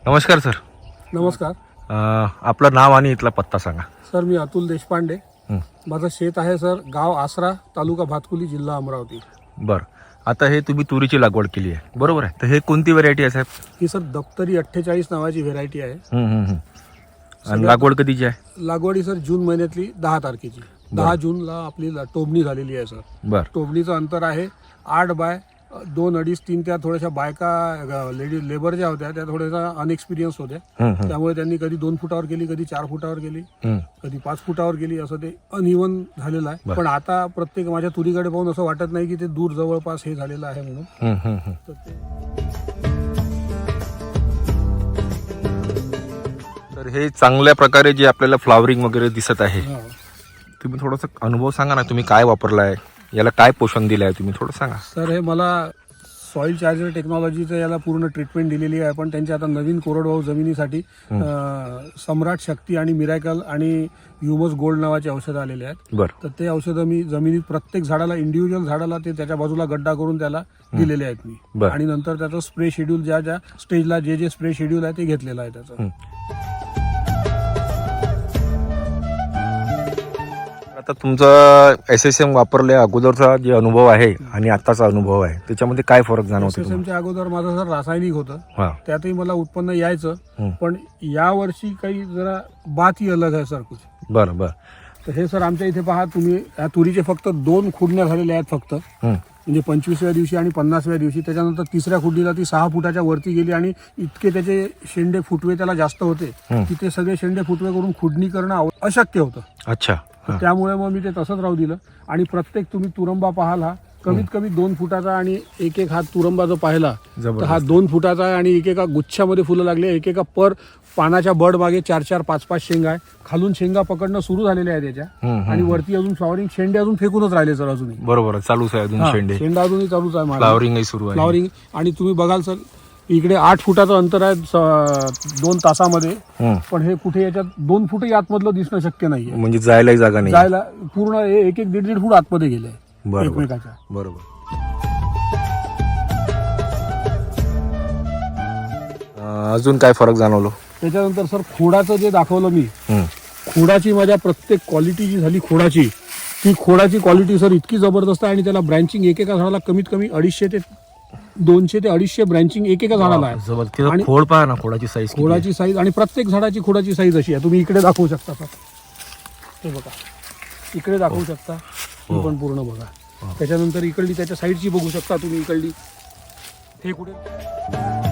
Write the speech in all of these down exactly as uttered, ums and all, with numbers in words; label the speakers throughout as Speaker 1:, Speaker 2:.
Speaker 1: नमस्कार सर.
Speaker 2: नमस्कार.
Speaker 1: अ, आपलं नाव आणि इथला पत्ता सांगा.
Speaker 2: सर मी अतुल देशपांडे.
Speaker 1: हं.
Speaker 2: माझं शेत आहे सर गाव आसरा, तालुका भातकुली, जिल्हा अमरावती.
Speaker 1: बरं. आता हे तुम्ही तुरीची लागवड केली आहे बरोबर आहे. तर हे कोणती व्हरायटी आहे साहेब?
Speaker 2: ही सर दप्तरी अठ्ठेचाळीस नावाची व्हेरायटी आहे.
Speaker 1: हं, हं, हं. आणि लागवड कधीची आहे?
Speaker 2: लागवड ही सर जून महिन्यातली दहा तारखेची. दहा जूनला आपली ला- टोबणी झालेली आहे सर.
Speaker 1: बरं.
Speaker 2: टोबणीचं अंतर आहे आठ बाय दोन अडीच तीन. त्या थोड्याशा बायका लेडी लेबर ज्या होत्या त्या थोड्याशा अनएक्सपिरियन्स होत्या.
Speaker 1: हं, हं,
Speaker 2: त्यामुळे त्यांनी कधी दोन फुटावर केली, कधी चार फुटावर केली,
Speaker 1: हं.
Speaker 2: कधी पाच फुटावर गेली. असं ते अनइव्हन झालेलं आहे.
Speaker 1: बरं.
Speaker 2: पण आता प्रत्येक माझ्या तुरीकडे पाहून असं वाटत नाही की ते दूर जवळपास हे झालेलं आहे म्हणून.
Speaker 1: हं, हं, हं.
Speaker 2: तर ते
Speaker 1: तर हे चांगल्या प्रकारे जे आपल्याला फ्लावरिंग वगैरे दिसत आहे,
Speaker 2: हा.
Speaker 1: तुम्ही थोडासा अनुभव सांगा ना. तुम्ही काय वापरला आहे, याला काय पोषण दिलं आहे, तुम्ही थोडं सांगा.
Speaker 2: सर हे मला सॉइल चार्जर टेक्नॉलॉजीचं याला पूर्ण ट्रीटमेंट दिलेली आहे. पण त्यांच्या आता नवीन कोरडवाहू जमिनीसाठी अं, सम्राट शक्ती आणि मिरॅकल आणि ह्युमस गोल्ड नावाचे औषधं आलेले आहेत.
Speaker 1: बरं.
Speaker 2: तर ते औषधं मी जमिनीत प्रत्येक झाडाला इंडिव्हिज्युअल झाडाला ते त्याच्या बाजूला गड्डा करून त्याला दिलेले आहेत मी.
Speaker 1: बरं.
Speaker 2: आणि नंतर त्याचं स्प्रे शेड्यूल ज्या ज्या स्टेजला जे जे स्प्रे शेड्यूल आहे ते घेतलेलं आहे त्याचं.
Speaker 1: हं. आता तुमचा एस एस एम वापरल्या अगोदरचा जे अनुभव आहे आणि आताचा अनुभव आहे त्याच्यामध्ये काय फरक जाणवतो तुम्हाला?
Speaker 2: एसएसएमच्या अगोदर माझं सर रासायनिक होतं.
Speaker 1: हां.
Speaker 2: त्यातही मला उत्पन्न यायचं.
Speaker 1: हं.
Speaker 2: पण यावर्षी काही जरा बात ही अलग आहे सर कुछ.
Speaker 1: बरं बरं.
Speaker 2: तर हे सर आमच्या इथे पहा तुम्ही, या तुरीचे फक्त दोन खुडण्या झालेल्या आहेत फक्त.
Speaker 1: हं.
Speaker 2: म्हणजे पंचवीसव्या दिवशी आणि पन्नासव्या दिवशी. त्याच्यानंतर तिसऱ्या खुडणीला ती सहा फुटाच्या वरती गेली आणि इतके त्याचे शेंडे फुटवे त्याला जास्त होते
Speaker 1: हं.
Speaker 2: की ते सगळे शेंडे फुटवे करून खुडणी करणं आव- अशक्य होतं.
Speaker 1: अच्छा.
Speaker 2: तर
Speaker 1: हां.
Speaker 2: त्यामुळे मग मी ते तसंच राहू दिलं. आणि प्रत्येक तुम्ही तुरंबा पाहाल हा कमीत कमी दोन फुटाचा आणि एक एक हात तुरंबा जो पाहिला तर हा
Speaker 1: जबरदस्त.
Speaker 2: दोन फुटाचा आहे. आणि एकेका गुच्छामध्ये फुलं लागले. एकेका पर पानाच्या बड मागे चार चार पाच पाच शेंगा आहे. खालून शेंगा पकडणं सुरू झालेले आहे त्याच्या.
Speaker 1: हं, हं,
Speaker 2: आणि
Speaker 1: हं.
Speaker 2: वरती अजून फ्लॉवरिंग शेंडे अजून फेकूनच राहिले सर अजूनही.
Speaker 1: बरोबर चालूच आहे अजून
Speaker 2: हा,
Speaker 1: शेंडे.
Speaker 2: शेंडा अजूनही चालूच आहे माझा.
Speaker 1: फ्लावरिंगही सुरू आहे.
Speaker 2: फ्लॉवरिंग. आणि तुम्ही बघाल सर इकडे आठ फुटाचं अंतर आहे स- दोन तासामध्ये.
Speaker 1: हं.
Speaker 2: पण हे कुठे याच्यात दोन फुटही आतमधलं दिसणं शक्य नाहीये.
Speaker 1: म्हणजे जायलाही जागा नाही.
Speaker 2: जायला पूर्ण हे एक एक दीड दीड फूट आतमध्ये गेले
Speaker 1: बरोबर
Speaker 2: एकमेकाच्या.
Speaker 1: बरोबर. अं, अजून काय फरक जाणवलो?
Speaker 2: त्याच्यानंतर सर खोडाचं जे दाखवलं मी,
Speaker 1: हं.
Speaker 2: खोडाची माझ्या प्रत्येक क्वालिटी जी झाली खोडाची, ती खोडाची क्वालिटी सर इतकी जबरदस्त आहे. आणि त्याला ब्रँचिंग एकेका झाडाला कमीत कमी अडीचशे ते दोनशे ते अडीचशे ब्रँचिंग एकेका झाडाला आहे.
Speaker 1: जबरदस्त.
Speaker 2: आणि
Speaker 1: खोड पहा ना, खोडाची साईज.
Speaker 2: खोडाची साईज आणि प्रत्येक झाडाची खोडाची साईज अशी आहे. तुम्ही इकडे दाखवू शकता सर. हे बघा इकडे दाखवू शकता. ही पण पूर्ण बघा. त्याच्यानंतर इकडली त्याच्या साईडची बघू शकता तुम्ही. इकडली हे कुठे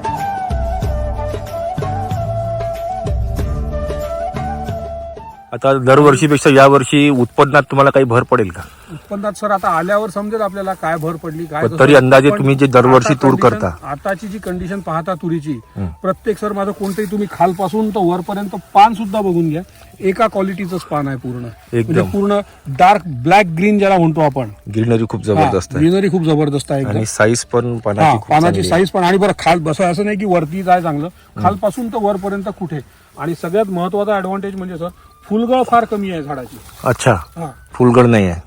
Speaker 1: आता दरवर्षीपेक्षा यावर्षी उत्पन्नात तुम्हाला काही भर पडेल का?
Speaker 2: उत्पन्नात सर आता आल्यावर समजेल आपल्याला काय भर पडली काय
Speaker 1: पण
Speaker 2: कसं.
Speaker 1: तरी अंदाजे
Speaker 2: पण
Speaker 1: तुम्ही जे दरवर्षी
Speaker 2: आता
Speaker 1: तूर
Speaker 2: condition-
Speaker 1: करता.
Speaker 2: आताची जी कंडिशन पाहता तुरीची,
Speaker 1: हं.
Speaker 2: प्रत्येक सर माझं कोणतंही तुम्ही खालपासून तर वरपर्यंत पान सुद्धा बघून घ्या. एका क्वालिटीचंच पान आहे पूर्ण.
Speaker 1: एकदम.
Speaker 2: म्हणजे पूर्ण डार्क ब्लॅक ग्रीन ज्याला म्हणतो आपण.
Speaker 1: ग्रीनरी खूप जबरदस्त आहे
Speaker 2: ग्रीनरी खूप जबरदस्त आहे एकदम.
Speaker 1: आणि साईज पण
Speaker 2: हा,
Speaker 1: पानाची खूप
Speaker 2: पानाची
Speaker 1: चांगली आहे.
Speaker 2: साईज पण. आणि बरं खाल बसं असं नाही की वरतीच आहे चांगलं, खालपासून तर वरपर्यंत कुठे. आणि सगळ्यात महत्वाचा ऍडव्हान्टेज म्हणजे सर फुलगळ फार कमी आहे झाडाची.
Speaker 1: अच्छा.
Speaker 2: हा.
Speaker 1: फुलगड नाही आहे.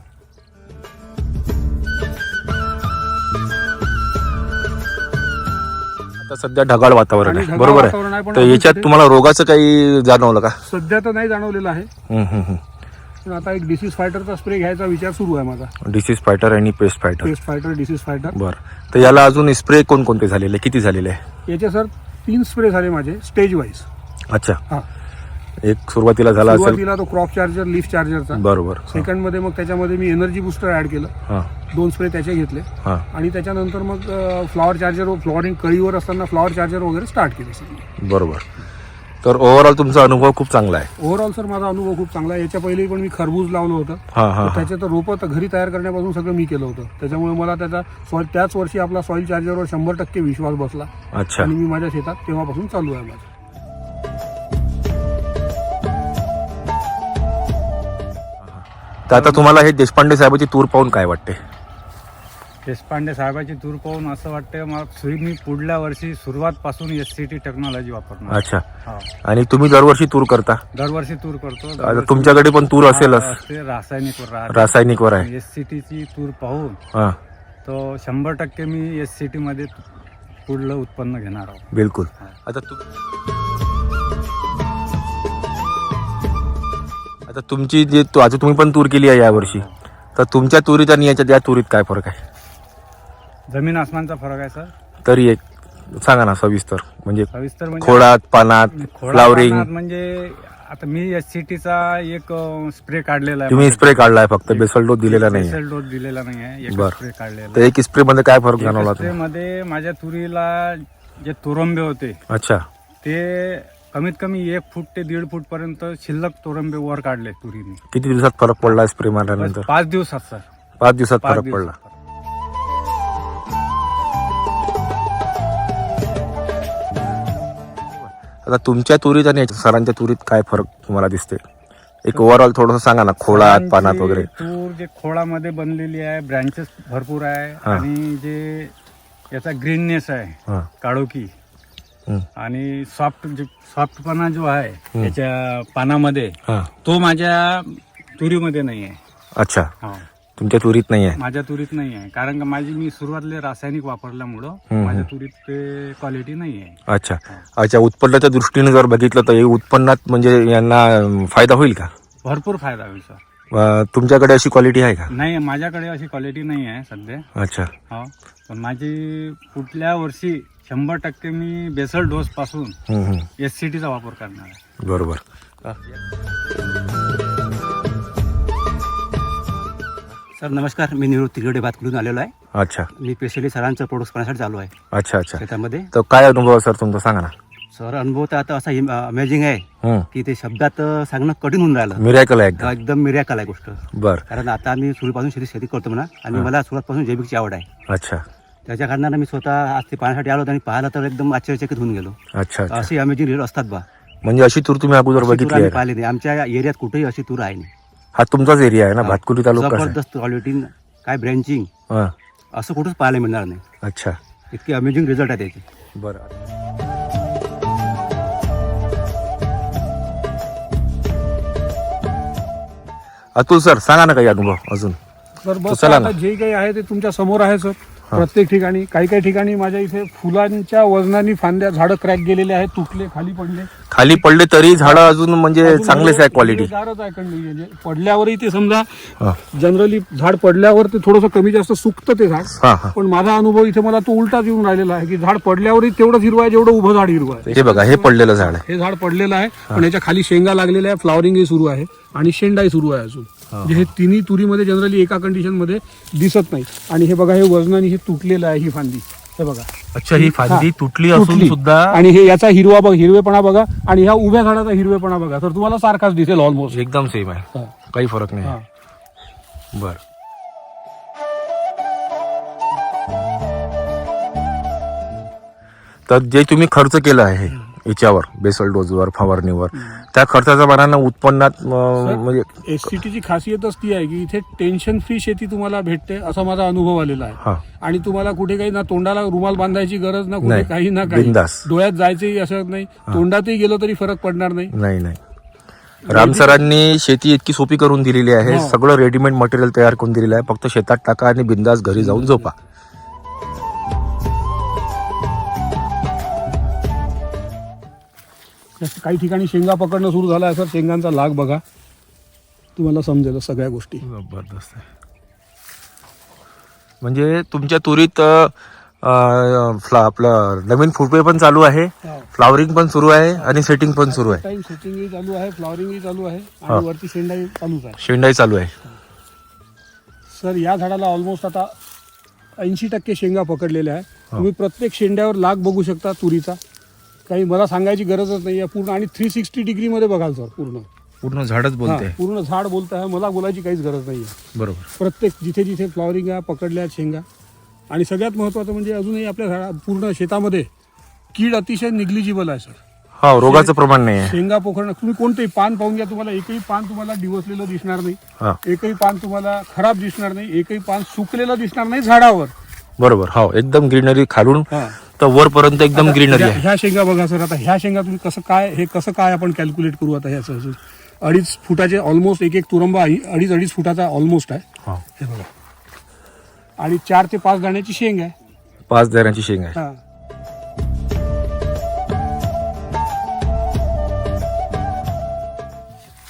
Speaker 1: आता सध्या ढगाळ वातावरण
Speaker 2: आणि
Speaker 1: आहे
Speaker 2: ढगाळ
Speaker 1: बरोबर
Speaker 2: वातावरण आहे,
Speaker 1: आहे.
Speaker 2: पण
Speaker 1: तर
Speaker 2: अजून
Speaker 1: याच्यात
Speaker 2: कुठे-
Speaker 1: तुम्हाला रोगाचं काही जाणवलं का?
Speaker 2: सध्या तर नाही जाणवलेलं आहे.
Speaker 1: हं, हं, हं.
Speaker 2: पण आता एक डिसीज फायटरचा स्प्रे घ्यायचा विचार सुरू आहे माझा.
Speaker 1: डिसीज फायटर आणि pest fighter.
Speaker 2: Pest fighter, disease fighter.
Speaker 1: बरं. तर याला अजून स्प्रे कोणकोणते झालेले, किती झालेले आहे?
Speaker 2: याचे सर तीन स्प्रे झाले माझे स्टेज वाईज.
Speaker 1: अच्छा.
Speaker 2: हा.
Speaker 1: एक सुरुवातीला झाला असेल.
Speaker 2: सुरुवातीला तो क्रॉप चार्जर, लीफ चार्जरचा.
Speaker 1: बरोबर.
Speaker 2: सेकंड मध्ये मग त्याच्यामध्ये मी एनर्जी बुस्टर ऍड केलं.
Speaker 1: हां
Speaker 2: दोन स्प्रे त्याचे घेतले.
Speaker 1: हां.
Speaker 2: आणि त्याच्यानंतर मग फ्लॉवर चार्जर, फ्लॉवरिंग कळीवर असताना फ्लॉवर चार्जर वगैरे स्टार्ट केले सगळे.
Speaker 1: बरोबर. तर ओव्हरऑल तुमचा अनुभव खूप चांगला आहे.
Speaker 2: ओव्हरऑल सर माझा अनुभव खूप चांगला आहे. याच्या पहिले पण मी खरबूज लावलं होतं.
Speaker 1: हां हां हां.
Speaker 2: त्याचे तर रोपं तर घरी तयार करण्यापासून सगळं मी केलं होतं. त्याच्यामुळे मला त्याचा सॉइल त्याच वर्षी आपला सॉइल चार्जरवर शंभर टक्के विश्वास बसला.
Speaker 1: अच्छा.
Speaker 2: आणि मी माझ्या शेतात तेव्हापासून चालू आहे माझं.
Speaker 1: तर आता तुम्हाला हे देशपांडे साहेबाची तूर पाहून काय वाटते?
Speaker 3: देशपांडे साहेबाची तूर पाहून असं वाटतं मग सुरी मी पुढल्या वर्षी सुरुवातपासून एस सी टी टेक्नॉलॉजी वापरणार.
Speaker 1: अच्छा.
Speaker 3: हा.
Speaker 1: आणि तुम्ही दरवर्षी तूर करता?
Speaker 3: दरवर्षी तूर करतो.
Speaker 1: आता
Speaker 3: दरवर्षी
Speaker 1: तुमच्याकडे पण तूर असेलच.
Speaker 3: असते रासायनिक
Speaker 1: रासायनिकवर आहे.
Speaker 3: एस सी टीची तूर पाहून
Speaker 1: हां.
Speaker 3: तो शंभर टक्के मी एस सी टी मध्ये पुढलं उत्पन्न घेणार आहोत.
Speaker 1: बिलकुल. आता तू आता तुमची जे तू- आता तुम्ही पण तूर केली आहे यावर्षी, तर तुमच्या तुरीत आणि याच्या त्या तुरीत काय फरक आहे?
Speaker 3: जमीन आसमानचा फरक आहे सर.
Speaker 1: तरी एक सांगा ना सविस्तर, म्हणजे
Speaker 3: सविस्तर म्हणजे
Speaker 1: खोडात, पानात,
Speaker 3: खोडा
Speaker 1: फ्लावरिंग.
Speaker 3: पानात म्हणजे आता मी एस सी टीचा एक स्प्रे काढलेला आहे.
Speaker 1: तुम्ही स्प्रे काढलाय, फक्त बेसल डोस दिलेला नाही.
Speaker 3: बेसल डोस दिलेला नाही आहे, एक
Speaker 1: बरं.
Speaker 3: स्प्रे काढलेला
Speaker 1: तर एक स्प्रे मध्ये काय फरक जाणवला
Speaker 3: स्प्रे
Speaker 1: तुम्हाला?
Speaker 3: मध्ये माझ्या तुरीला जे तोरंबे होते
Speaker 1: अच्छा.
Speaker 3: ते कमीत कमी एक फूट ते दीड फूट पर्यंत शिल्लक तोरंबे वर काढले तुरीने.
Speaker 1: किती दिवसात फरक पडला स्प्रे
Speaker 3: बस
Speaker 1: मारल्यानंतर?
Speaker 3: पाच दिवसात सर.
Speaker 1: पाच दिवसात
Speaker 3: पाच
Speaker 1: फरक
Speaker 3: दिवसात.
Speaker 1: पडला. आता तुमच्या तुरीत आणि याच्या सरांच्या तुरीत काय फरक तुम्हाला दिसते? एक ओव्हरऑल थोडस सांगा ना, खोडात, पानात
Speaker 3: सरांची
Speaker 1: वगैरे.
Speaker 3: तूर जे खोळामध्ये बनलेली आहे, ब्रँचेस भरपूर आहे
Speaker 1: हा.
Speaker 3: आणि जे याचा ग्रीननेस आहे,
Speaker 1: हा.
Speaker 3: काळोखी
Speaker 1: हम्म.
Speaker 3: आणि सॉफ्ट जे सॉफ्टपणा जो आहे
Speaker 1: हम्म.
Speaker 3: त्याच्या पानामध्ये,
Speaker 1: हा.
Speaker 3: तो माझ्या तुरीमध्ये नाही आहे.
Speaker 1: अच्छा,
Speaker 3: हा.
Speaker 1: तुमच्या तुरीत नाही आहे.
Speaker 3: माझ्या तुरीत नाही आहे, कारण का माझी मी सुरुवातीला रासायनिक वापरल्यामुळं
Speaker 1: हम्म.
Speaker 3: माझ्या तुरीत ते क्वालिटी नाही आहे.
Speaker 1: अच्छा. अच्छा, उत्पन्नाच्या दृष्टीने जर बघितलं तर हे उत्पन्नात म्हणजे यांना अं, फायदा होईल का?
Speaker 3: भरपूर फायदा होईल सर.
Speaker 1: अं, तुमच्याकडे अशी क्वालिटी आहे का?
Speaker 3: नाही, माझ्याकडे अशी क्वालिटी नाही आहे सध्या.
Speaker 1: अच्छा.
Speaker 3: हो, पण माझी पुढल्या वर्षी शंभर टक्के मी बेसल डोस पासून
Speaker 1: हम्म, हम्म.
Speaker 3: एस सी टीचा वापर करणार आहे.
Speaker 1: बरोबर.
Speaker 4: सर नमस्कार, मी निवृत्ती तिरगडे बातकडून आलेलो आहे.
Speaker 1: अच्छा
Speaker 4: मी स्पेशली सरांचं प्रोडक्ट पाहण्यासाठी चालू आहे
Speaker 1: अच्छा अच्छा.
Speaker 4: शेतामध्ये.
Speaker 1: तर काय अनुभव आहे सर तुमचा, सांगा ना.
Speaker 4: सर अनुभव तर आता असा अमेझिंग आहे
Speaker 1: हम्म.
Speaker 4: की ते शब्दात अं, सांगणं कठीण होऊन राहिलं.
Speaker 1: मिरॅकल आहे एकदम.
Speaker 4: एकदम मिरॅकल आहे गोष्ट.
Speaker 1: बर.
Speaker 4: कारण आता आम्ही सुरुवातीपासून शेती शेती करतो म्हणा, आणि
Speaker 1: हा.
Speaker 4: मला सुरुवातपासून जैविकची आवड आहे.
Speaker 1: अच्छा
Speaker 4: त्याच्या कारणानं मी स्वतः आज ते पाहण्यासाठी आलो होतो आणि पाहिलं तर एकदम आश्चर्यचकित होऊन गेलो.
Speaker 1: अच्छा अच्छा.
Speaker 4: अशी अमेझिंग रिझल्ट असतात बा.
Speaker 1: म्हणजे अशी तूर तुम्ही अगोदर
Speaker 4: अशी तूर
Speaker 1: बघितली
Speaker 4: आम्ही
Speaker 1: आहे का?
Speaker 4: पाहिली नाही. आमच्या एरियात कुठेही अशी तूर आहे नाही.
Speaker 1: हा तुमचाच एरिया आहे ना, भातकुली तालुका आहे.
Speaker 4: जबरदस्त क्वालिटी, काय ब्रँचिंग
Speaker 1: हा.
Speaker 4: असं कुठंच पाहायला मिळणार नाही.
Speaker 1: अच्छा.
Speaker 4: इतके अमेझिंग रिझल्ट आहे त्याचे.
Speaker 1: बरं. अतुल सर सांगा ना काही अनुभव अजून.
Speaker 2: तर बस
Speaker 1: चला ना.
Speaker 2: आता जे काही आहे ते तुमच्या समोर आहे सर. प्रत्येक ठिकाणी काही काही ठिकाणी माझ्या इथे फुलांच्या वजनाने फांद्या झाडं क्रॅक गेलेले आहेत, तुटले, खाली पडले.
Speaker 1: खाली पडले तरी झाडं अजून म्हणजे
Speaker 2: अजून
Speaker 1: चांगलेच आहे क्वालिटी.
Speaker 2: हिरवेगारच आहे कंडी. म्हणजे पडल्यावरही ते समजा
Speaker 1: हा
Speaker 2: जनरली झाड पडल्यावर ते थोडंसं कमी जास्त सुकतं ते झाड.
Speaker 1: हा हा.
Speaker 2: पण माझा अनुभव इथे मला तो उलटाच येऊन राहिलेला आहे की झाड पडल्यावरही तेवढंच हिरवं आहे जेवढं उभं झाड हिरवं आहे.
Speaker 1: हे बघा, हे पडलेलं झाड आहे.
Speaker 2: हे झाड पडलेलं आहे, पण याच्या खाली शेंगा लागलेल्या आहे, फ्लॉवरिंगही सुरू आहे आणि शेंडाही सुरू आहे अजून. म्हणजे हे तिन्ही तुरीमध्ये जनरली एका कंडिशन मध्ये दिसत नाही. आणि हे बघा, हे वजनाने हे तुटलेलं आहे, ही फांदी हे बघा.
Speaker 1: अच्छा, ही फांदी
Speaker 2: हा.
Speaker 1: तुटली
Speaker 2: तुटली.
Speaker 1: असून सुद्धा
Speaker 2: आणि हे याचा हिरवा बघ, हिरवेपणा बघा, आणि ह्या उभ्या झाडाचा हिरवेपणा बघा, तर तुम्हाला सारखाच दिसेल ऑलमोस्ट.
Speaker 1: एकदम सेम आहे,
Speaker 2: हा.
Speaker 1: काही फरक नाही.
Speaker 2: हा.
Speaker 1: बर. तर जे तुम्ही खर्च केला आहे याच्यावर, बेसल डोजवर, फवारणीवर, त्या खर्चाच्या मानानं उत्पन्नात अं, म्हणजे
Speaker 2: एससीटीची खासियतच ती आहे की इथे टेन्शन फ्री शेती तुम्हाला भेटते, असा माझा अनुभव आलेला आहे.
Speaker 1: हा
Speaker 2: आणि तुम्हाला कुठे काही ना तोंडाला रुमाल बांधायची गरज ना, कुठे
Speaker 1: नाही.
Speaker 2: काही ना काही,
Speaker 1: बिनधास्त.
Speaker 2: डोळ्यात जायचंही असं नाही, तोंडातही गेलो तरी फरक पडणार नाही.
Speaker 1: नाही नाही. राम सरांनी शेती इतकी सोपी करून दिलेली आहे,
Speaker 2: हो.
Speaker 1: सगळं रेडीमेड मटेरियल तयार करून दिलेलं आहे, फक्त शेतात टाका आणि बिंदास घरी जाऊन झोपा.
Speaker 2: काही ठिकाणी शेंगा पकडणं सुरू झालं आहे सर. शेंगांचा लाग बघा, तुम्हाला समजेल सगळ्या गोष्टी.
Speaker 1: जबरदस्त आहे. म्हणजे तुमच्या तुरीत अं, फ्ला- आपलं नवीन फुटवे पण चालू आहे, फ्लावरिंग पण सुरू आहे आणि सेटिंग पण सुरू आहे.
Speaker 2: टाइम सेटिंगही चालू आहे, फ्लॉवरिंगही चालू आहे,
Speaker 1: हा.
Speaker 2: आणि वरती शेंडाही चालूच आहे.
Speaker 1: शेंडाई चालू आहे.
Speaker 2: सर या झाडाला ऑलमोस्ट आता ऐंशी टक्के शेंगा पकडलेल्या आहे. तुम्ही प्रत्येक शेंड्यावर लाग बघू शकता तुरीचा. काही मला सांगायची गरजच नाही आहे पूर्ण. आणि थ्री सिक्स्टी डिग्री मध्ये बघाल सर पूर्ण.
Speaker 1: पूर्ण झाडच
Speaker 2: हा,
Speaker 1: बोलते.
Speaker 2: पूर्ण झाड बोलत आहे, मला बोलायची काहीच गरज नाही आहे.
Speaker 1: बरोबर.
Speaker 2: प्रत्येक जिथे जिथे फ्लॉवरिंग आहे, पकडल्या आहेत शेंगा. आणि सगळ्यात महत्त्वाचं म्हणजे अजूनही आपल्या झाडा पूर्ण शेतामध्ये कीड अतिशय निग्लिजिबल आहे सर.
Speaker 1: हा, रोगाचं प्रमाण नाही आहे.
Speaker 2: शेंगा पोखरणं, तुम्ही कोणतेही पान पाहून घ्या, तुम्हाला एकही पान तुम्हाला डिवसलेलं दिसणार नाही,
Speaker 1: हा
Speaker 2: एकही पान तुम्हाला खराब दिसणार नाही, एकही पान सुकलेलं दिसणार नाही झाडावर.
Speaker 1: बरोबर. हो, एकदम ग्रीनरी खालून
Speaker 2: हा.
Speaker 1: तर वरपर्यंत एकदम ग्रीनरी
Speaker 2: ह्या
Speaker 1: आहे.
Speaker 2: ह्या शेंगा बघा सर. आता ह्या शेंगा तुम्ही कसं काय, हे कसं काय आपण कॅल्क्युलेट करू आता ह्याचं अजून अडीच फुटाचे ऑलमोस्ट, एक एक तुरंबा अडीच अडीच फुटाचा ऑलमोस्ट आहे.
Speaker 1: हा.
Speaker 2: हे बघा, आणि चार ते पाच दाण्याची शेंग आहे.
Speaker 1: पाच दाण्याची शेंग आहे.
Speaker 2: हा.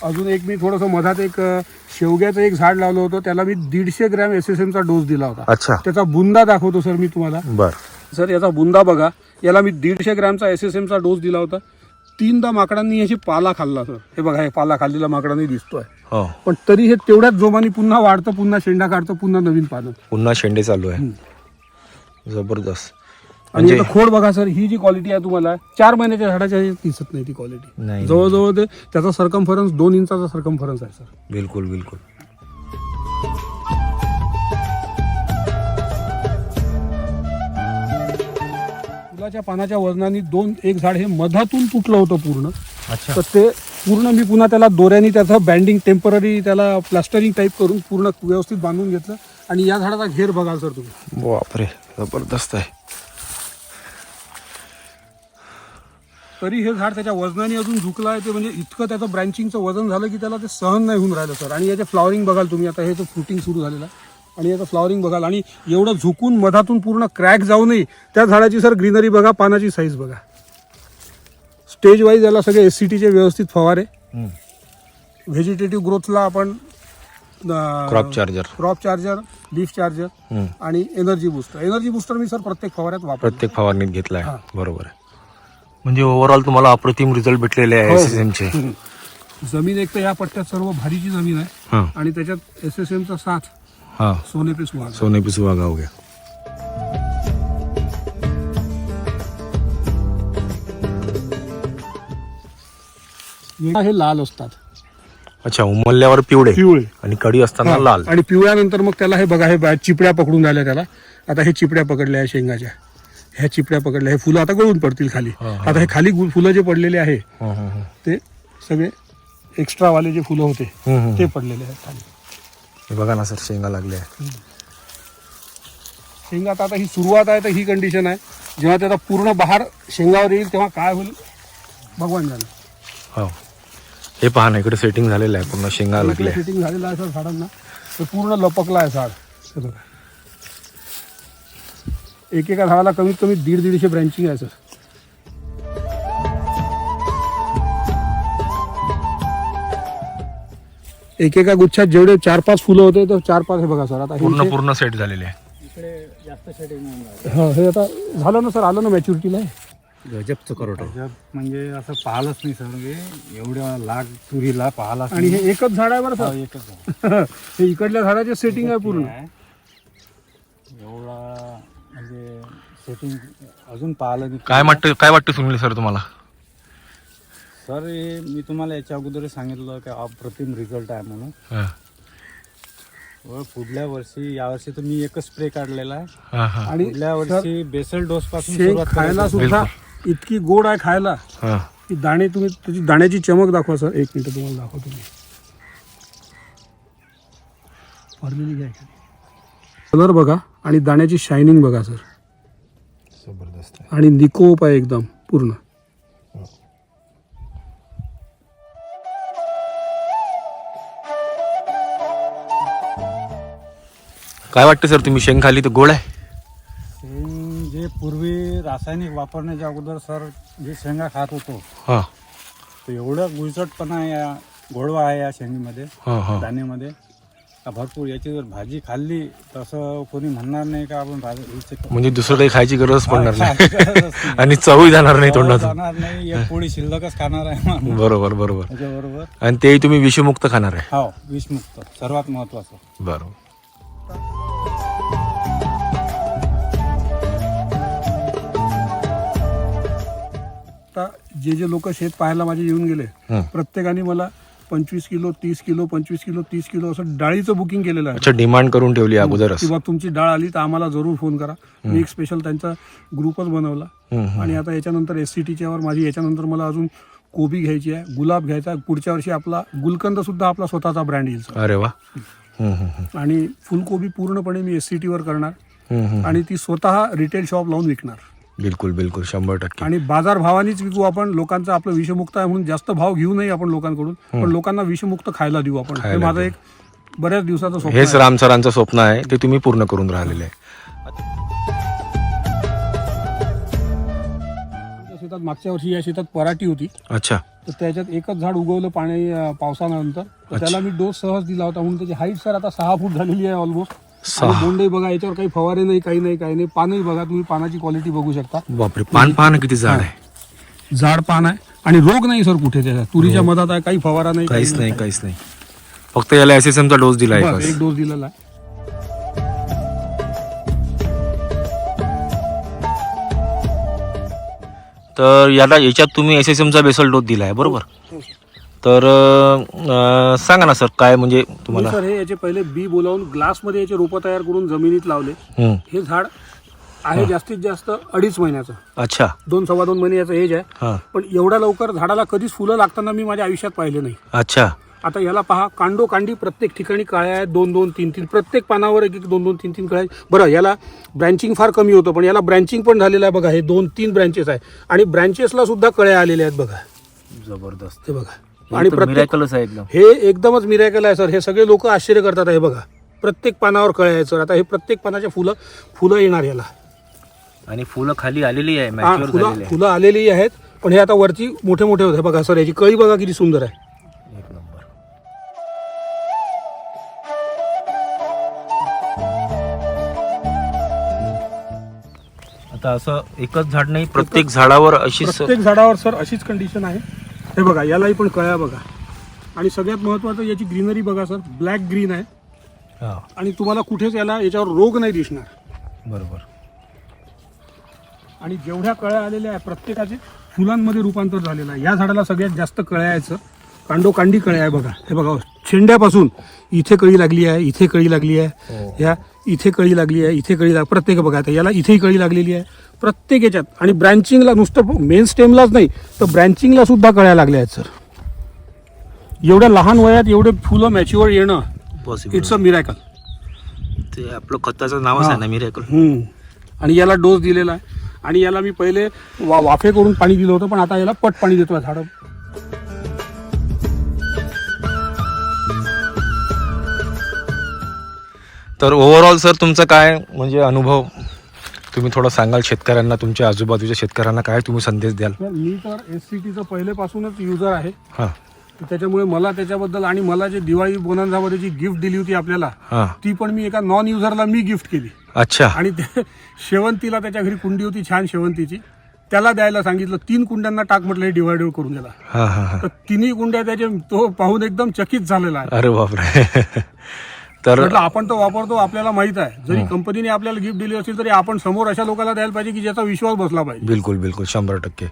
Speaker 2: अजून एक मी थोडंसं मधात एक अ, शेवग्याचं एक झाड लावलं होतं, त्याला मी दीडशे ग्रॅम एस एस एमचा डोस दिला होता.
Speaker 1: अच्छा.
Speaker 2: त्याचा बुंदा दाखवतो सर मी तुम्हाला.
Speaker 1: बर.
Speaker 2: सर याचा बुंदा बघा, याला मी दीडशे ग्रॅमचा एस एस एमचा डोस दिला होता. तीनदा माकडांनी याची पाला खाल्ला सर. हे बघा, हे पाला खाल्लेला माकडांनी दिसतोय.
Speaker 1: हो.
Speaker 2: पण तरी हे तेवढ्याच जोमाने पुन्हा वाढतं, पुन्हा शेंडा काढतं, पुन्हा नवीन पानं.
Speaker 1: पुन्हा शेंडे चालू आहे. जबरदस्त.
Speaker 2: आणि
Speaker 1: म्हणजे
Speaker 2: आता खोड बघा सर, ही जी क्वालिटी आहे तुम्हाला चार महिन्याच्या झाडाच्या ह्याच्यात दिसत नाही ती क्वालिटी.
Speaker 1: नाही.
Speaker 2: जवळजवळ ते त्याचा सरकमफरन्स दोन इंचाचा सरकमफरन्स आहे सर.
Speaker 1: बिलकुल बिलकुल.
Speaker 2: फुलाच्या पानाच्या वजनाने दोन एक झाड हे मधातून तुटलं होतं पूर्ण.
Speaker 1: अच्छा.
Speaker 2: तर ते पूर्ण मी पुन्हा त्याला दोऱ्याने त्याचं बँडिंग टेम्पररी त्याला प्लास्टरिंग टाईप करून पूर्ण व्यवस्थित बांधून घेतलं. आणि या झाडाचा घेर बघाल सर तुम्ही.
Speaker 1: बापरे, जबरदस्त आहे.
Speaker 2: तरी हे झाड त्याच्या वजनाने अजून झुकलं आहे. ते म्हणजे इतकं त्याचं ब्रँचिंगचं वजन झालं की त्याला ते सहन नाही होऊन राहिलं सर. आणि याचे फ्लॉवरिंग बघाल तुम्ही, आता हे जो फ्रुटिंग सुरू झालेलं आहे आणि याचं फ्लॉवरिंग बघाल. आणि एवढं झुकून मधातून पूर्ण क्रॅक जाऊ नये त्या झाडाची सर ग्रीनरी बघा, पानाची साईज बघा. स्टेज वाईज याला सगळे एस सी टीचे व्यवस्थित फवारे. व्हेजिटेटिव्ह ग्रोथला आपण
Speaker 1: crop charger,
Speaker 2: crop charger, leaf charger आणि एनर्जी बुस्टर. एनर्जी बुस्टर मी सर प्रत्येक फवाऱ्यात वापरतो.
Speaker 1: प्रत्येक फवारणीत घेतलाय. बरोबर आहे. म्हणजे ओव्हरऑल तुम्हाला अप्रतिम रिझल्ट भेटलेले आहे एस एस एम चे.
Speaker 2: जमीन एक तर या पट्ट्यात सर्व भारीची जमीन आहे आणि त्याच्यात एस एस एमचा साथ
Speaker 1: हा
Speaker 2: सोने पे सुहागा.
Speaker 1: सोने पे सुहागा हो गया.
Speaker 2: हे लाल असतात.
Speaker 1: अच्छा, उमलल्यावर पिवळे
Speaker 2: पिवळे
Speaker 1: आणि कडी असताना लाल.
Speaker 2: आणि पिवळ्यानंतर मग त्याला हे बघा, हे बा- चिपड्या पकडून राहिल्या त्याला. आता हे चिपड्या पकडल्या आहे शेंगाच्या, ह्या चिपड्या पकडल्या. हे फुलं आता गळून पडतील खाली. आता हे खाली गु- फुलं जे पडलेले आहे
Speaker 1: हं, हं, हं.
Speaker 2: ते सगळे एक्स्ट्रा वाले जे फुलं होते
Speaker 1: हं, हं.
Speaker 2: ते पडलेले आहेत खाली.
Speaker 1: हे बघा ना सर, शेंगा लागल्या आहे.
Speaker 2: शेंगात आता ही सुरुवात आहे तर ही कंडिशन आहे. जेव्हा त्याचा पूर्ण बहार शेंगावर येईल तेव्हा काय होईल भगवान जाणे.
Speaker 1: हो, हे पहा ना, इकडे सेटिंग झालेलं आहे, पूर्ण शेंगा लागल्या.
Speaker 2: फिटिंग झालेलं आहे सर झाडांना. ते पूर्ण लपकला आहे झाड. हे बघा, एकेका झाडाला कमीत कमी दीड दीडशे ब्रँचिंग आहे सर. एकेका गुच्छात जेवढे चार पाच फुलं होते तर चार पाच हे बघा सर. आता हे
Speaker 1: पूर्ण
Speaker 2: इथे-
Speaker 1: पूर्ण सेट झालेले आहे.
Speaker 3: इकडे जास्त शेडिंग
Speaker 2: हा, हे आता झालं ना सर, आलं ना मॅच्युरिटीला.
Speaker 4: गजबचं करोट.
Speaker 3: म्हणजे असं पाहिलंच नाही सर, म्हणजे एवढ्या लाख तुरीला पाहिला.
Speaker 2: आणि हे एकच झाड आहे बरं सर.
Speaker 3: एकच आहे.
Speaker 2: हे इकडल्या झाडाचे सेटिंग आहे पूर्ण.
Speaker 3: एवढा म्हणजे सेटिंग अजून पाहिलं नाही.
Speaker 1: काय वाटतं काय वाटतं सुनील सर तुम्हाला?
Speaker 3: सर हे मी तुम्हाला याच्या अगोदर सांगितलं की अप्रतिम रिझल्ट आहे म्हणून.
Speaker 1: हा.
Speaker 3: व पुढल्या वर्षी यावर्षी तर मी एकच स्प्रे काढलेला आहे.
Speaker 1: हा, हा.
Speaker 2: आणि
Speaker 3: पुढल्या वर्षी बेसल डोस पासून
Speaker 2: शेंग
Speaker 3: सुरुवात
Speaker 2: खायला
Speaker 3: करायची.
Speaker 2: सुद्धा इतकी गोड आहे खायला
Speaker 1: हा.
Speaker 2: की दाणे तुम्ही त्याची दाण्याची चमक दाखवा सर. एक मिनिट तुम्हाला दाखवतो मी. भरलेली घ्या. कलर बघा आणि दाण्याची शायनिंग बघा सर.
Speaker 1: जबरदस्त आहे.
Speaker 2: आणि निकोप आहे एकदम पूर्ण.
Speaker 1: काय वाटतं सर, तुम्ही शेंग खाली तर गोड आहे?
Speaker 3: शेंग जे पूर्वी रासायनिक वापरण्याच्या अगोदर सर जे शेंगा खात होतो
Speaker 1: हा.
Speaker 3: तर एवढं गुळचटपणा आहे या गोडवा आहे या शेंगीमध्ये,
Speaker 1: हा, हा.
Speaker 3: दाण्यामध्ये का भरपूर. याची जर भाजी खाल्ली तसं कोणी म्हणणार नाही का आपण भाजी हिचे-
Speaker 1: म्हणजे दुसरं काही खायची गरज पडणार नाही
Speaker 3: गरजच नाही.
Speaker 1: आणि चवही जाणार नाही तोंडातून.
Speaker 3: जाणार नाही. एक पोळी शिल्लकच खाणार आहे माणूस
Speaker 1: बरोबर बरोबर.
Speaker 3: त्याच्याबरोबर.
Speaker 1: आणि तेही तुम्ही विषमुक्त खाणार आहे.
Speaker 3: हो, विषमुक्त सर्वात महत्वाचं.
Speaker 1: बरोबर.
Speaker 2: आता जे जे लोक शेत पाहायला माझे येऊन गेले
Speaker 1: हं.
Speaker 2: प्रत्येकाने मला पंचवीस किलो तीस किलो पंचवीस किलो तीस किलो असं डाळीचं बुकिंग केलेलं आहे.
Speaker 1: अच्छा, डिमांड करून ठेवली अगोदरच.
Speaker 2: किंवा तुमची डाळ आली तर आम्हाला जरूर फोन करा. मी एक स्पेशल त्यांचा ग्रुपच बनवला.
Speaker 1: हं, हं.
Speaker 2: आणि आता याच्यानंतर एस सी टीच्या वर माझी याच्यानंतर मला अजून कोबी घ्यायची आहे, गुलाब घ्यायचा आहे. पुढच्या वर्षी आपला गुलकंद सुद्धा आपला स्वतःचा ब्रँड येईल सर.
Speaker 1: अरे वा. हं, हं, हं.
Speaker 2: आणि फुलकोबी पूर्णपणे मी एस सी टी वर करणार
Speaker 1: हं, हं.
Speaker 2: आणि ती स्वतः रिटेल शॉप लावून विकणार.
Speaker 1: बिलकुल बिलकुल, शंभर टक्के.
Speaker 2: आणि बाजार भावानेच विकू आपण. लोकांचं आपलं विषमुक्त आहे म्हणून जास्त भाव घेऊ नये आपण लोकांकडून, पण लोकांना विषमुक्त खायला देऊ आपण. हे
Speaker 1: खायला
Speaker 2: माझं
Speaker 1: देऊ.
Speaker 2: एक बऱ्याच दिवसाचं स्वप्न
Speaker 1: हेच
Speaker 2: आहे.
Speaker 1: राम सरांचं स्वप्न आहे, ते तुम्ही पूर्ण करून राहिलेले आहे.
Speaker 2: आमच्या शेतात मागच्या वर्षी या शेतात पराठी होती.
Speaker 1: अच्छा.
Speaker 2: तर त्याच्यात एकच झाड उगवलं पाणी अं, पावसानंतर. तर त्याला मी डोस सहज दिला होता म्हणून त्याची हाईट सर आता सहा फूट झालेली आहे ऑलमोस्ट.
Speaker 1: सहा.
Speaker 2: बोंडही बघा, याच्यावर काही फवारे नाही, काही नाही, काही नाही. पानही बघा तुम्ही, पानाची क्वालिटी बघू शकता.
Speaker 1: बापरे, पान पाहा ना किती झाड आहे.
Speaker 2: झाड पान आहे आणि रोग नाही सर कुठे त्याच्यात. तुरीच्या मधात आहे, काही फवारा नाही,
Speaker 1: काहीच नाही, काहीच नाही. फक्त याला एस एस एम चा डोस दिला
Speaker 2: बस,
Speaker 1: आहे.
Speaker 2: एक डोस दिलेला आहे.
Speaker 1: तर याला याच्यात तुम्ही एस एस एम चा बेसल डोस दिला आहे बरोबर.
Speaker 2: हो,
Speaker 1: तर अं, सांगा ना सर काय म्हणजे तुम्हाला.
Speaker 2: सर हे याचे पहिले बी बोलावून ग्लासमध्ये याचे रोपं तयार करून जमिनीत लावले.
Speaker 1: हम्म.
Speaker 2: हे झाड आहे जास्तीत जास्त अडीच महिन्याचं,
Speaker 1: अच्छा.
Speaker 2: दोन सव्वा दोन महिने याचं एज आहे.
Speaker 1: हा.
Speaker 2: पण एवढ्या लवकर झाडाला कधीच फुलं लागताना मी माझ्या आयुष्यात पाहिले नाही.
Speaker 1: अच्छा.
Speaker 2: आता याला पहा, कांडो कांडी प्रत्येक ठिकाणी काळ्या आहेत, दोन दोन तीन तीन, प्रत्येक पानावर एक एक दोन दोन तीन तीन कळ्या. बरं, याला ब्रँचिंग फार कमी होतं, पण याला ब्रँचिंग पण झालेलं आहे बघा. हे दोन तीन ब्रँचेस आहे आणि ब्रँचेसला सुद्धा कळ्या आलेल्या आहेत बघा.
Speaker 1: जबरदस्त.
Speaker 2: हे बघा, आणि प्रत्येक
Speaker 1: मिरॅकलच आहे एकदम.
Speaker 2: हे एकदमच मिरॅकल आहे सर. हे सगळे लोक आश्चर्य करतात. हे बघा, प्रत्येक पानावर कळ्या आहेत सर. आता हे प्रत्येक पानाच्या फुलं फुलं येणार याला.
Speaker 1: आणि फुलं खाली आलेली आहे,
Speaker 2: हा,
Speaker 1: मॅच्युअर
Speaker 2: फुलं
Speaker 1: झालेली आहे.
Speaker 2: फुलं आलेली आहेत, पण हे आता वरती मोठे मोठे होते बघा सर. याची कळी बघा किती सुंदर आहे.
Speaker 1: एक नंबर. आता असं एकच झाड नाही, प्रत्येक झाडावर अशीच.
Speaker 2: प्रत्येक झाडावर सर अशीच कंडिशन आहे. हे बघा, यालाही पण कळ्या बघा. आणि सगळ्यात महत्वाचं याची ग्रीनरी बघा सर, ब्लॅक ग्रीन आहे.
Speaker 1: हा,
Speaker 2: आणि तुम्हाला कुठेच याला याच्यावर रोग नाही दिसणार.
Speaker 1: बरोबर.
Speaker 2: आणि जेवढ्या कळ्या आलेल्या आहेत प्रत्येकाचे फुलांमध्ये रूपांतर झालेलं आहे. या झाडाला सगळ्यात जास्त कळ्या आहेत सर. कांडो कांडी कळ्या आहे बघा. हे बघा, शेंड्यापासून इथे कळी लागली आहे, इथे कळी लागली आहे,
Speaker 1: हो.
Speaker 2: या इथे कळी लागली आहे, इथे कळी लाग प्रत्येक बघा. आता याला इथेही कळी लागलेली आहे प्रत्येक याच्यात. आणि ब्रँचिंगला नुसतं मेन स्टेमलाच नाही तर ब्रँचिंगला सुद्धा कळ्या लागल्या आहेत सर. एवढ्या लहान वयात एवढे फुलं मॅच्युअर येणं,
Speaker 1: पॉसिबल.
Speaker 2: It's a miracle.
Speaker 1: ते आपलं खताचं नावच आहे ना, मिरॅकल.
Speaker 2: हम्म. आणि याला डोस दिलेला आहे. आणि याला मी पहिले वा वाफे करून पाणी दिलं होतं, पण आता याला पट पाणी देतो झाडं.
Speaker 1: तर ओव्हरऑल सर तुमचा काय म्हणजे अनुभव तुम्ही थोडा सांगाल शेतकऱ्यांना, तुमच्या आजूबाजूच्या शेतकऱ्यांना काय तुम्ही संदेश द्याल.
Speaker 2: तर मी तर एस सी टीचं पहिलेपासूनच युजर आहे.
Speaker 1: हां
Speaker 2: तर त्याच्यामुळे मला त्याच्याबद्दल, आणि मला जे दिवाळी बोनांझामध्ये जी गिफ्ट दिली होती आपल्याला,
Speaker 1: हां.
Speaker 2: ती पण मी एका नॉन युजरला मी गिफ्ट केली.
Speaker 1: अच्छा.
Speaker 2: आणि ते शेवंतीला, त्याच्या घरी कुंडी होती छान शेवंतीची, त्याला द्यायला सांगितलं. तीन कुंड्यांना टाक म्हटलं, हे डिवायडेड करून द्याला.
Speaker 1: हां हां हां.
Speaker 2: तर तिन्ही कुंड्या त्याचे तो पाहून एकदम चकित झालेला आहे.
Speaker 1: अरे बापरे. तर
Speaker 2: म्हटलं आपण तो वापरतो, आपल्याला माहित आहे. जरी कंपनीने आपल्याला गिफ्ट दिली असेल तरी आपण समोर अशा लोकांना द्यायला पाहिजे की ज्याचा विश्वास बसला पाहिजे.
Speaker 1: बिलकुल बिलकुल शंभर टक्के.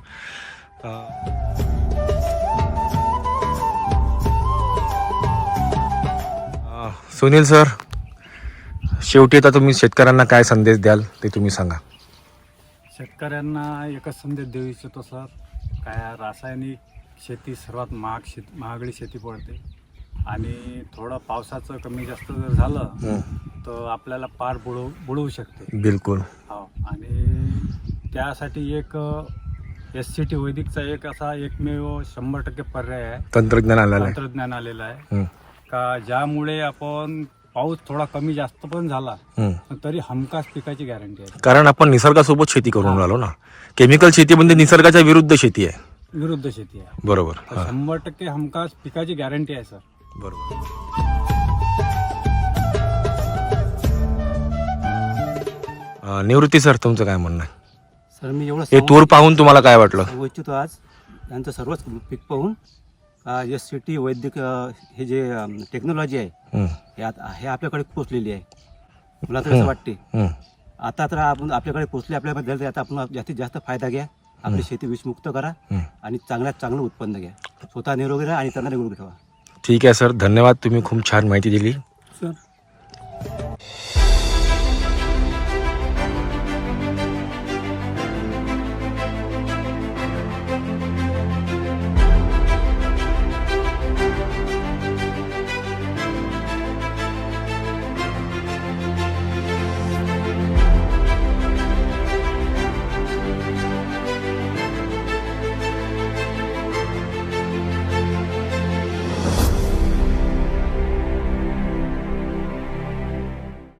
Speaker 1: सुनील सर, शेवटी आता तुम्ही शेतकऱ्यांना काय संदेश द्याल ते तुम्ही सांगा.
Speaker 3: शेतकऱ्यांना एकच संदेश देऊ इच्छितो सर, काय रासायनिक शेती सर्वात महाग शेती महागडी शेती पडते. आणि थोडं पावसाचं कमी जास्त जर झालं
Speaker 1: हं.
Speaker 3: तर आपल्याला पार बुडवू बुडवू शकते.
Speaker 1: बिलकुल.
Speaker 3: हो. आणि त्यासाठी एक एस सी टी वैदिकचा एक असा एकमेव शंभर टक्के पर्याय आहे,
Speaker 1: तंत्रज्ञान आलेलं आहे.
Speaker 3: तंत्रज्ञान आलेलं आहे.
Speaker 1: हं.
Speaker 3: का ज्यामुळे आपण पाऊस थोडा कमी जास्त पण झाला
Speaker 1: हं.
Speaker 3: तरी हमखास पिकाची गॅरंटी आहे.
Speaker 1: कारण आपण निसर्गासोबत शेती करून राहिलो ना. केमिकल शेती म्हणजे निसर्गाच्या विरुद्ध शेती आहे.
Speaker 3: विरुद्ध शेती आहे.
Speaker 1: बरोबर.
Speaker 3: तर
Speaker 1: हां.
Speaker 3: शंभर टक्के हमखास पिकाची गॅरंटी आहे सर.
Speaker 1: बरोबर. अं, निवृत्ती सर, तुमचं काय म्हणणं आहे?
Speaker 4: सर मी एवढं
Speaker 1: हे तूर पाहून तुम्हाला काय वाटलं?
Speaker 4: सांगू इच्छितो आज यांचं सर्वच पीक पाहून एस सी टी वैद्यक अ, हे जे टेक्नॉलॉजी आहे
Speaker 1: हं.
Speaker 4: हे आत- हे आपल्याकडे पोचलेली आहे. मला तर असं वाटते
Speaker 1: हं.
Speaker 4: आता तर आपण आपल्याकडे पोचले, आपल्याबद्दल तर आता आपण जास्तीत जास्त फायदा घ्या, आपली शेती विषमुक्त करा
Speaker 1: हं.
Speaker 4: आणि चांगल्यात चांगलं उत्पन्न घ्या. स्वतः निरोगी राहा आणि त्यांना निरोगी ठेवा.
Speaker 1: ठीक आहे सर, धन्यवाद. तुम्ही खूप छान माहिती दिली.